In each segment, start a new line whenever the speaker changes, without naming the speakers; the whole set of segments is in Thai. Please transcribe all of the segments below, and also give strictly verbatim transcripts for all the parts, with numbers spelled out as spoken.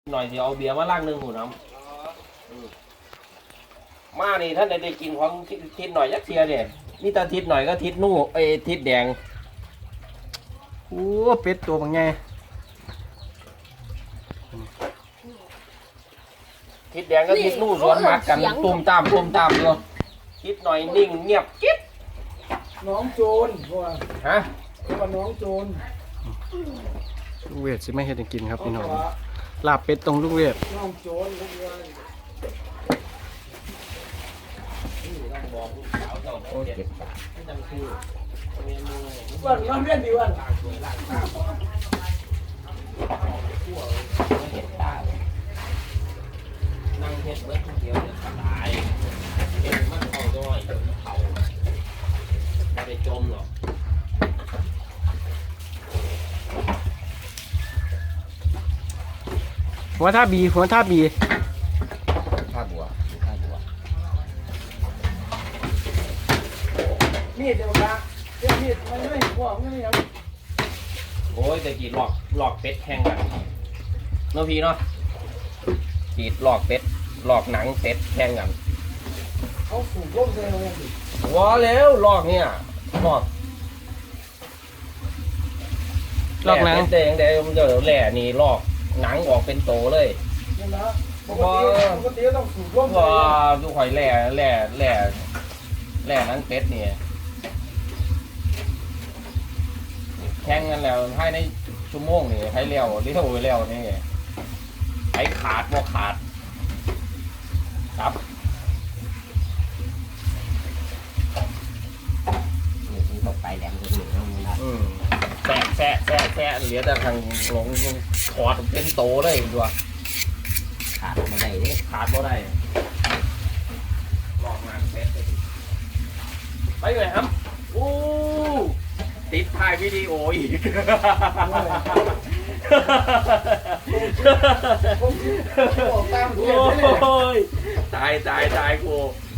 หน่อยสิเอาเบียร์มาล้างหนึ่งหูน้ำมานี่ท่านได้กินของทิศหน่อยยักเทียเนี่ยนี่ตาทิศหน่อยก็ทิศนู่ไอ้ทิศแดง
โอ้เป็ดตัวบางไง
ทิศแดงก็ทิศนู่สวนหมากกันตุ่มตามตุ่มตามอยู่ทิศหน่อยนิ่งเงียบกิ๊บ
น้องโจรว่า
ฮะ
ว่าน้องโจร
ลูกเวทสิไม่เห็นกินครับพี่น้องลาบเป็ดตรงลูกเวท
น้องโจรลูกเวท
โอ้เจ็บปาก
วันน้องเรียนดีวัน
เห็ดตานั่งเห็ดเบิดเดียวจะตายเห็ดมันเข้าด้วยเดี๋ยวมันเผาไม่ได้จมหรอก
หัวท่าบีหัวท่าบี
ท่าบัวท่าบัว
มีดเดี๋ยวละเดี๋ยวมีดมันไม่ห่วงไม่ยัง
โอ้ยแต่กีดหลอกหลอกเป็ดแข่งกันเนาะพี่เนาะกีดหลอกเป็ดหลอกหนังเป็ดแข่งกัน
เขาสูบร่มเลยเลย
ว้าแล้วหลอกเนี่ยหลอกหลอกหนังเด้งเด้งมันจะแหล่นี่หลอกหนังออกเป็นโตเลย
นี่นะปกติปกติต้องสูบร่ม
ว้าดูข่อยแหล่แหล่แหล่แหล่หนังเป็ดเนี่ยแข่งกันแล้วให้ในชั่วโมงนี่ให้เลี้ยวเลี้ยวเลี้ยวนี่ให้ขาดบ่ขาดครับ
นี่ตกไปแหลมตัวหนึ่งแล้วมัน
แสะแสะแสะแสะเหลือแต่ทางหลงถอดเป็นโตเลยด้วย
ขาดไม่ได้เนี่ย
ขาดบ่ได้ลอกงานเป็ดไปเลยครับโอ้ติดถ่ายวิดีโออีกโอ้ยตายตายตายกู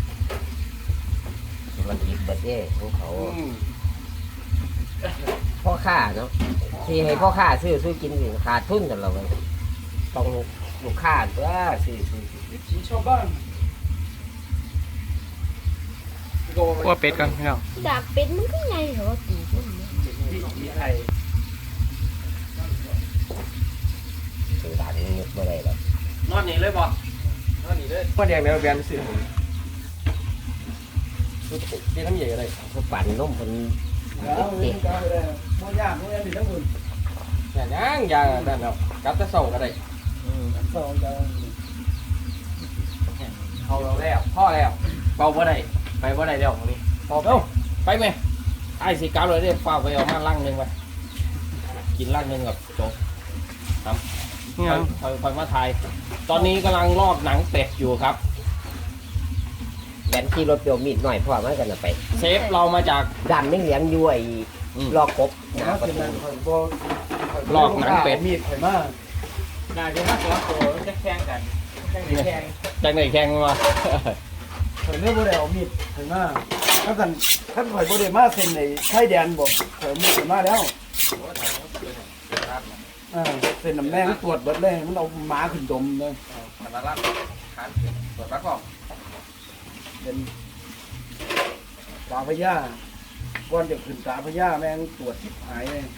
มันอีกเบิดเย่ของเขาพ่อค้าเนาะที่ให้พ่อค้าซื้อซื้อกินขาดทุนแต่เราต้องลูกค้าตัวซื้อซื้อ
สีชาวบ้าน
ว่าเป็ดกันพี่น้อง
ดาบเป็ดมันก็ไงเหรอตีมัน
ที่ไทย
ซื้อตาที่ยุบไม่ได้หรอก
นอนนี่เลยบ่นอนนี่เลยก็แดงแมวแบนสิที่น้ำใหญ่อะไร
เขาปั่นล้มคน
แล้วเรื่องการอะไรโมย่าโมย่าดีทั้งหมด
อย่างยังอย่างนั่นแล้วกับจะส่งอะไร
สองจะ
เอาแล้วพ่อแล้วเป่าบ่ได้ไปบ่ได้แล้วตรงนี้พอเอ้าไปไหมไอ้สีกาวเลยได้ฟ้าไปเอามาล่างหนึ่งไปกินล่างหนึ่งกับโจ๊กทำคอยคอยคอยมาถ่ายตอนนี้กำลังลอกหนังเป็ดอยู่ครับ
แบนขี่รถเปียวมีดหน่อยพ่อมากันไป
เซฟเรามาจาก
ดันไม่เลี้ยงย้วยลอกกบ
นะประตู
ลอกหนังเป็ด
มีดไข่มาก
น่าจะมาสองตัวจะแข่งกันแข่งแข่งแข่งไหนแข่งมา
ข่อยเลือกโบเดลมีดไข่มากถ้ากันถ้าข่อยโบเดลมาเซ็นในไทยแดนบอกข่อยมีดไข่มาแล้วเซ็นน้ำแดงตรวจเบิดเลยมันเอาหมาขึ้นดมเลย
มาลักขันตรวจปักกล้อง
เป็นตาพญาก้อนจะขึ้นตาพญาแม่งตรวจทิพหายเลย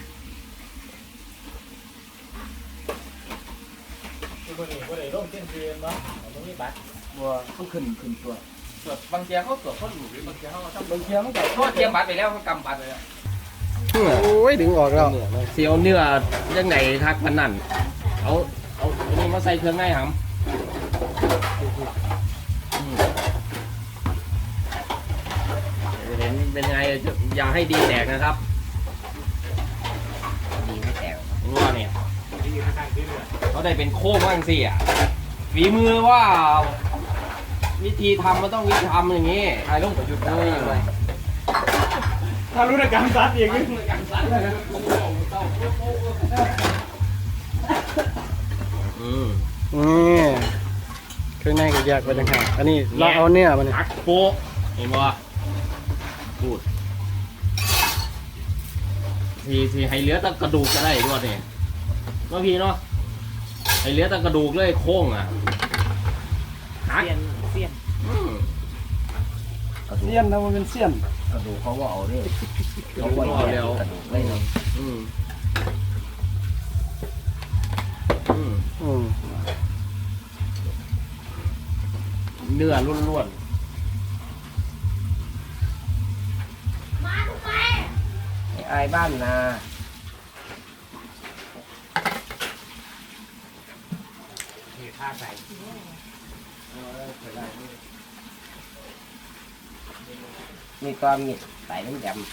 บัวบัวเลยร่มเส้นเทียนเนาะตรงนี้บัตร
บัวต้องขึ้นขึ้นตัว
ตรวจบางเทียเขาตรวจเขาหลุดหรือบางเทียเขา
บางเทียมันก็
เขาเทียมบัตรไปแล้วเขากำบัตรไปแล้ว
โอ้ยดึงออกแล้ว
เสียวเนื้อยังไงทักพันนั่นเอาเอาอันนี้มาใส่เครื่องไงครับเห็นเป็นไงอย่าให้ดีแตกนะครับ
ดีไม่แตก
รู้ว่าเนี่ยเขาได้เป็นโค้งบ้างสิอ่ะฝีมือว่าวิธีทำมันต้องวิธีทำอย่างนี้ถ่ายลงประยุทธ์เลย
ถ้ารู้ในการซัดเองนี่
อืม
นี่เครื่องในก็แยกไปต่างหากอันนี้เราเอาเนี่ยมัน
หักโป๊ะเห็นป่ะพูดทีทีให้เหลือแต่กระดูกจะได้ด้วยเนี่ยเนาะพี่เนาะไอเหลี้ยแต่กระดูกเลยโค้งอ่ะหัก
เสียนเสียน
อืม
เสียนนะมันเป็นเสียน
กระดูกเขาว่าเอาเนี่ย
เขาก็เอาแล้ว
กระดูกไม่เนาะ
อืมอืม
อืม
เนื้อล้วน
ไอ้บ้านนามีความมีใส่น้ำยำ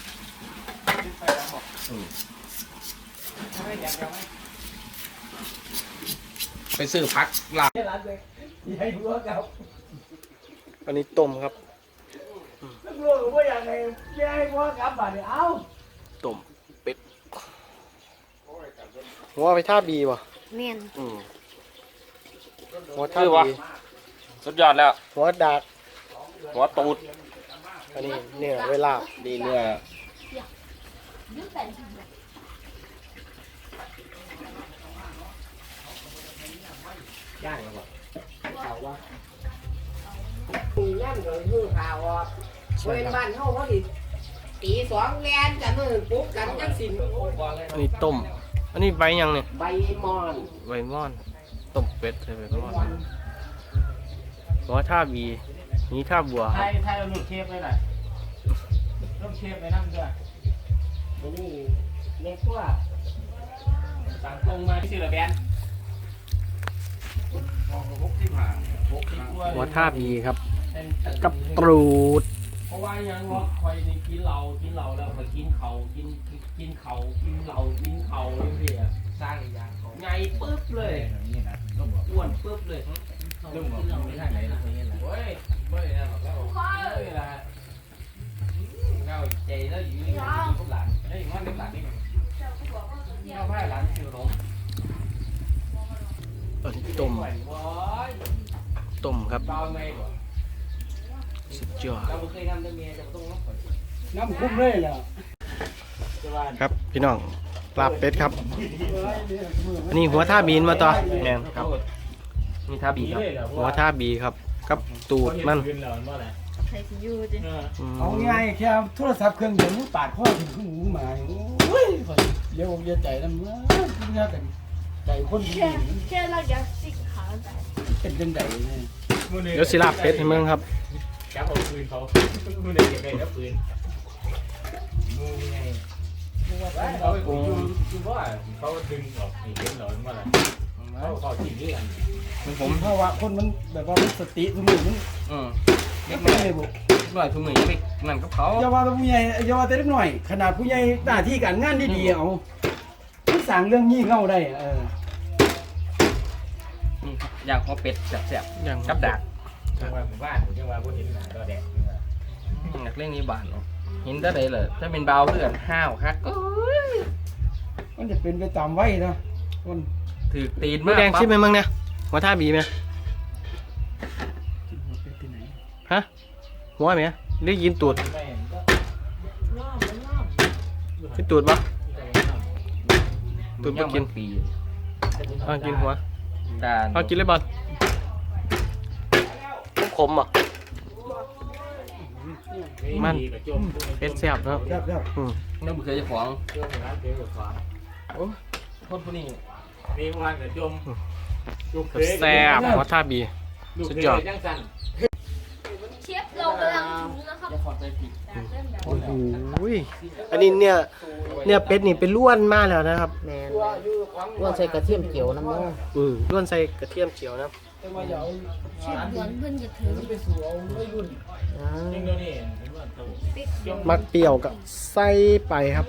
ๆไปซื้อพักลาบ
ให้หัวกับ
อันนี้ต้มครับ
ลูกๆว่าอย่างไรให้หัวกับบ่าเนี่ยเอา
ต้มเป็ดหัวไปท่าบีป่ะ
แม่น
อืมหัวท่าบี
สุดยอดแล้ว
หัวดาก
หัวตูด
อันนี้เนี่ยเวลาบ
ดีเนื้อ
ย่างแล้วบ่เอาวะมีย่างเลยมือข่าวอ่ะเว้นบ้านเฮาเขาดิตีสองแลนกันมือปุ๊บกันจังสิน
อันนี้ต้ม อันนี้ใบยังเนี่ย
ใบมอน
ใบม่อน ต้มเป็ดใช่ใบม่อนหัวท่าบีนี่ท่าบัวค
ไท
รับ
ยไทยเราหลุดเชฟไปหน่อยต้องเชฟไปนั่งด้วย
อันนี้เล็กกว่า
สั่งตรงมาที่ชื่อละแบนหกสิบห้าหกสิบกว่า
หัวท่าบีครับ กับตรูด
เพราะว่ายังว่าคอยนี่กินเหล้ากินเหล้าแล้วมากินเขากินกินเขากินเหล้ากินเขาเรื่อยๆสร้างอย่างเขาไงปึ๊บเลยอ้วนปึ๊บเลยเรื่องของไม่ได้ไหนนะเว้ยไม่ได้หรอกแล้วไม่ได้เงาใจแล้วอยู่ในพวกหลานไอ้มันเป็นหลานนี่มันเงาผ้าหลานคือหลง
อันนี้ต้ม
ไหวว้าย
ต้มครับ
เบาไม่บ่
สุดยอด
เราเคยทำแต่เมียจะต้องรับ
น้ำคุ้มเลยเหรอ
ครับพี่น้องลาบเป็ดครับ อันนี้หัวท่าบีนมาต่อแมนครับ
นี่ท่าบีครับ
หัวท่าบีครับ กับตูดมัน
ใส่สิอยู่จิ
อืม
เอาง่ายแค่โทรศัพท์เครื่องเดียวมันปาดข้อถึงขึ้นหูมาโอ้ยเดี๋ยวเดี๋ยวใจน้ำเมื่อเมื่อกันใจคนดี
แค่แค่เราอยากสิกขาแต่
เป็นจังไดเนี่ย
เดี๋ยวสิลาบเป็ดให้เมืองครับ
จับเอาปืนเขามือเด็กเก็บได้แล้วปืนมือไงเขาไปกูคือว่าเขาดึงออกนี่เห็นเหรอว่าอะไรเขาเขาจีบด้วยกัน
ผมเพราะว่าคนมันแบบว่ามันสติสมุนมัน
อืม
ไม่เป็นเลยบุ
หน่อยทุ่มหนึ่งยังไปนั่นกับเขา
อย่าว่าแต่ผู้ใหญ่อย่าว่าแต่เล็กหน่อย ขนาดผู้ใหญ่หน้าที่การงานดีๆเอามันสั่งเรื่องยี่เง่าได้เออ
นี่ครับย่างหัวเป็ดแซ่บ
อย่าง
ๆกับดัก
จังหวะหมู่บ้านจังหวะพวกเห็นหนาตัวแดง
นักเล่นนี้บานเนาะเห็นได้เลยเลยถ้าเป็นเบาเพื่อนห้าวฮักเอ้ย
มันจะเป็นไปตามไว้เนาะคน
ถือตีน
มื
มา
อก แดงชิมไหมเมืองเนี่ยหัวท่าบีไหม
ที่ไหน
ฮะหัวไหมได้ยินตูด
ไม่ก็
กินตูดปะ ตูด
ย่าง
บ่กิน
ปี
อ่ากินหัว
ดาน
เอากินเลยบอลขมๆอ่ะ มันเป็ดแซ่บเนาะ
ครับครับ
อืม
น้ำเคยจะฟ้อง
เรื่องร้านเกลือขวา
คนพวกนี้
มีวันกับจม
แซ่บหัวท่าบี สุดยอด
จังสัน
เชฟเรากำลังถึงนะครับ
จะขอใจผิด
โอ้โหอันนี้เนี่ยเนี่ยเป็ดนี่เป็นล้วนมากแล้วนะครับ
แมนว่าใส่กระเทียมเจียวน้ำมัน
อืมล้วนใส่กระเทียมเจียวนะ
แต่ว่าอย่าเอา
เชฟเหมือนเพิ่นจะถึง
ไปสู่เอาไม่รุ่น
จริงเดี๋ยวนี้เห็นว่าตัว
ปิ๊ก
มักเปรี้ยวกับใส่ไปครับ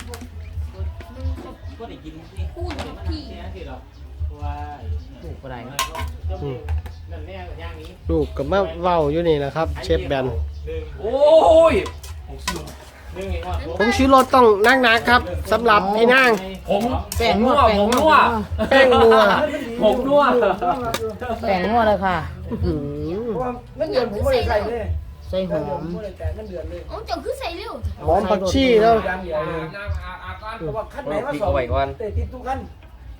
ก็ได้กิน
พูดกับพี่
เนี่ยที่เราว่า
ถูกอะไร
อืม
นั่นแน่ย่างนี้
ลูกกับมาเว้าอยู่นี่แหละครับ เชฟแบน
โอ้ย
เรื่องนี้ว่า
ผมชื่อรสต้องนักๆครับสำหรับพี่นาง
ผม
แป้งนัว
ผมนัว
แป้งนัว
ผมนัว
แป้งนัวเลยค่ะ
อื้อหือ
เพราะว่าเงินเดือนผมไม่ได้ใส่เลย
ใส่หอม
ไม่ได้แต่เงินเดือนเลย
โอ้จังคือใส่เร็ว
หอมผักชีแล้ว
ยางเดียวเลย
น้ำอาอาก้อน
เพราะว่าคันไหนมา
พริก
สอง
เอาไว้ก่อน
เตะติดทุกคัน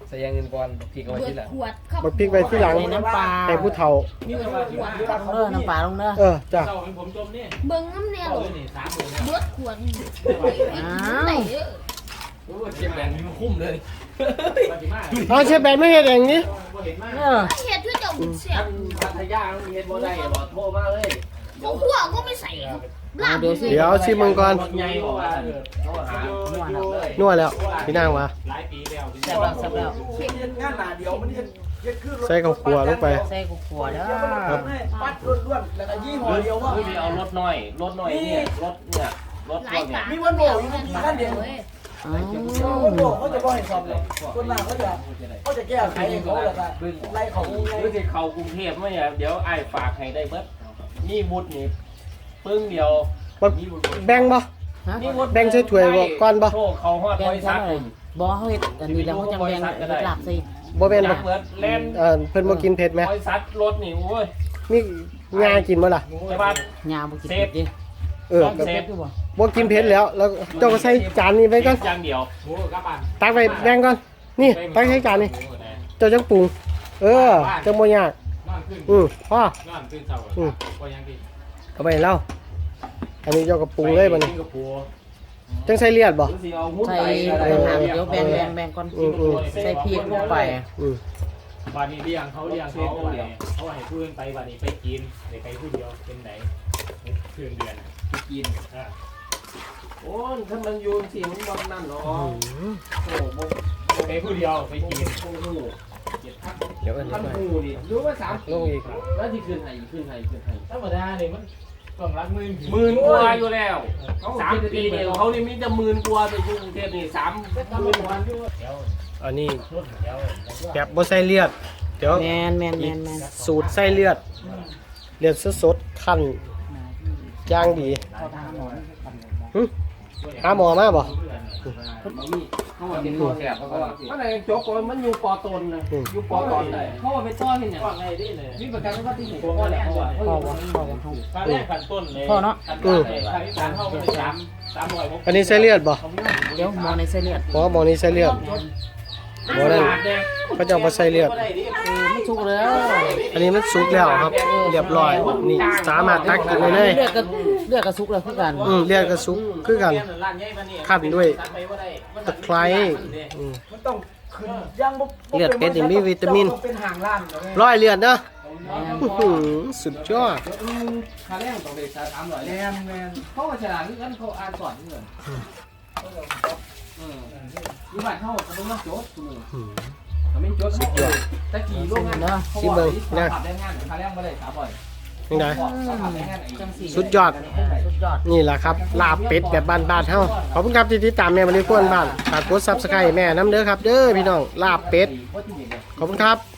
ใส่ยางเงินก่อนพี่ก็ไว้
เบิด
ที่หลัง
ขวดครับ
บักพริกไว้ที่หลัง
น้ำปลา
ให้ผู้เฒ่า
นี่ก็ว่าสิว่า
เออน้ำปลาลงเด้อ
เออจ้ะ
เจ้าของผมจมนี่
เบิ่งน้ำแนว
เอาเลยนี่สามหมื่น
เบิดขวด
อ้าว
ไหนเด้อ
โอ้เชียงแหลมมีคุ้มเลย
ปฏิมา
เอาเชฟแบนไม่เฮ็ดเองนี่
บ่เห็นมาก
เออ
เฮ็ดด้วยเจ้าบุญเสีย
ท่านพัทยาต้องเฮ็ดบ่ได้บ่โทรมาเลย
เขาขัวก็ไม่ใส่ครับลาบ
ดูสิ
เดี๋ยวชิมมึงก่อน
รถใหญ่บอกว่าโทรหาเลย
นัวแล้วพี่นางวะ
หลายปีแล้ว
แซ่บแล้วแซ่บแล้ว
เฮ็ดงานหน้าเดียวมันเฮ็ดเฮ็ดคือ
ใส่ข้าวคั่วลงไป
ใส่กุขัวเด้อ
ครับ
ปัดล้วนๆแล้วก็ยี่ห้อเดียวว่า
หรือเอารถน้อยรถน้อยเนี่ยรถเนี่ยรถ
ห
พ
ลา
วย กเนี่ย
ปาก
มีวันโบอยู่ในกี่ขั้นเดียว
อ๋อ
วันโบเขาจะบ่ให้สอบเลยคนหน้าเขาจะเขาจะแก้ไขให้เขาแล้วก็ไล่เขาไง
หรือสิเข้ากรุงเทพมั้ยเนี่ยเดี๋ยวอ้ายฝากให้ได้เบิดมีวุฒินี่ปึ้งเดียว
บักแบ่งบ่
ฮะ
มีวุฒิ
แบ่งใส่ถ้วยบ่ก่อนบ่
โทรเขาฮอด
แก
บ
ง
ริ
ใส่
ษัท
หน่อยบ่เฮาเฮ็ดอันนี้แล้วเขาจังแบ่งเฮ็ดลาบใส่
บ่แม่นบ่
เบิดเล่น
เออเพิ่นบ่กินเผ็ดไหม
บริษัทรถนี่โอ้ย
มีงากินบ่ล่ะ
แต่ว่า
ยาบ่กินเผ็ดดิ
เออ
ต้อง
ก็
เซฟ
คือบ่
บ่กินเผ็ดแล้ว แล้วเจ้าก็ใส่จานนี้ไว้ก่อน
อย่างเดียว
โอ้กลับบ้าน
ตักไว้แบ่งก่อนนี่ตักใส่จานนี้เจ้าจังปรุง เออจังบ่ยาก
นอนขึ้น
อือพ่อน
อนตื่นเช้า
อืม
ก็ยังดี
เอาไปให้เราอันนี้เจ้าก็ปรุงเลยบัดนี้
สิงคโปร์
จังใส่เลือดบ่
หรือสิเอาหุ้น
ใส่
ไปก็ได้
อาหารเดี๋ยวแบ่งแบ่งแบ่งก่อน
อืมอืม
ใส่พริกลงไป
อืม
บ้านนี้เลี้ยงเขาเลี้ยงเขาบ้านนี้เขาให้ผู้อื่นไปบ้านนี้ไปกินเดี๋ยวไปผู้เดียวเป็นไหนเดือนเดือน
กิน
อ่า
โอ้ยถ้ามันอยูนสิมันบ่นั่นหรอก
อืม
โอ้โห
ไปผู้เดียวไปกิน
โอ้โหเจ็ดพัน
เดี๋ยวอันนี้
พัน
ไป
หูนี่รู้ว่าสาม
ลงอีก
แล้วที่คืนให้คืนให้คืนให้
ธรรมดาเนี่ยมันต้องรักหมื่น
หมื่นกว่าอยู่แล้วสามปีเนี่ยเขานี่มีแต่หมื่นกว่าแต่อยู่กรุงเทพนี่สามหมื่นกว่า
เดี๋ยว
อันนี้
รุ่นเดี๋ยว
แบบบ่ใส่เลือด เดี๋ยว
แม่นแม่นแม่นแม่น
สูตรใส่เลือด เลือดสดๆคั่นย่างดี
เข้าทางหมอ
หึหาหมอมาบ่
มันมีเขาว่าเป็นตัวแสบเขาว่ามันอะไรโจ๊กก่อนมันอยู่ปอตนนะอยู่ปอตนเลยเขาว่าไปต้อนที่เนี่ย
ว่าไงดิเนี่ย
มีประกันว่าที่ไหน
พวกเขาแหละเขาว่า
พ่อบ่พ่อบ่เฮา
ค่าแรกขั้นต้นเลย
พ่อเนาะ
ขั้นต้นเลยค่าที่สามเขาเลยสามสามร้อยหก
อันนี้ใส่เลือดบ่
เดี๋ยวหมอในเส้นเลือด
หมอหมอนี่ใส่เลือดหมอนั่นเขาจะเอามาใส่เลือด
เออไม่สุกแล้ว
อันนี้มันสุกแล้วครับ เรียบร้อย นี่สามารถตักกินได้เลย
เลือดก็เลือดก็สุกแล้วคือกัน
อืมเลือดก็สุกคือกัน ขั้นด้วยตะไคร้อืม
มันต้องขึ้นย่างบ่
เลือดเป็ดนี่มีวิตามิน
เป็นห่างล้านเนาะ
ร้อยเลือดเนาะอื้อหือสุดยอด
คาแรกต้องไปสามร้อย
แมนแมน
เขาว่าฉลาดนี่กันเขาอ่านสอนนี่เหมือนอืมอยู่บ้านเขาเขาต้องมาโจ๊กคุณ
อืม
เขาไม่โจ๊กสุดยอดตะกี้โรงงานเขาบอกว่าขับได้งานคาแรกไม่ได้สามร้อย
ยังไง
ขับได้งานไอ้
สุดยอด
สุดยอด
นี่แหละครับลาบเป็ดแบบบ้านๆเฮาขอบคุณครับที่ติดตามแม่มารีควนบ้านฝากกด Subscribe แม่น้ำเด้อครับ เด้อพี่น้องลาบเป็ด ขอบคุณครับ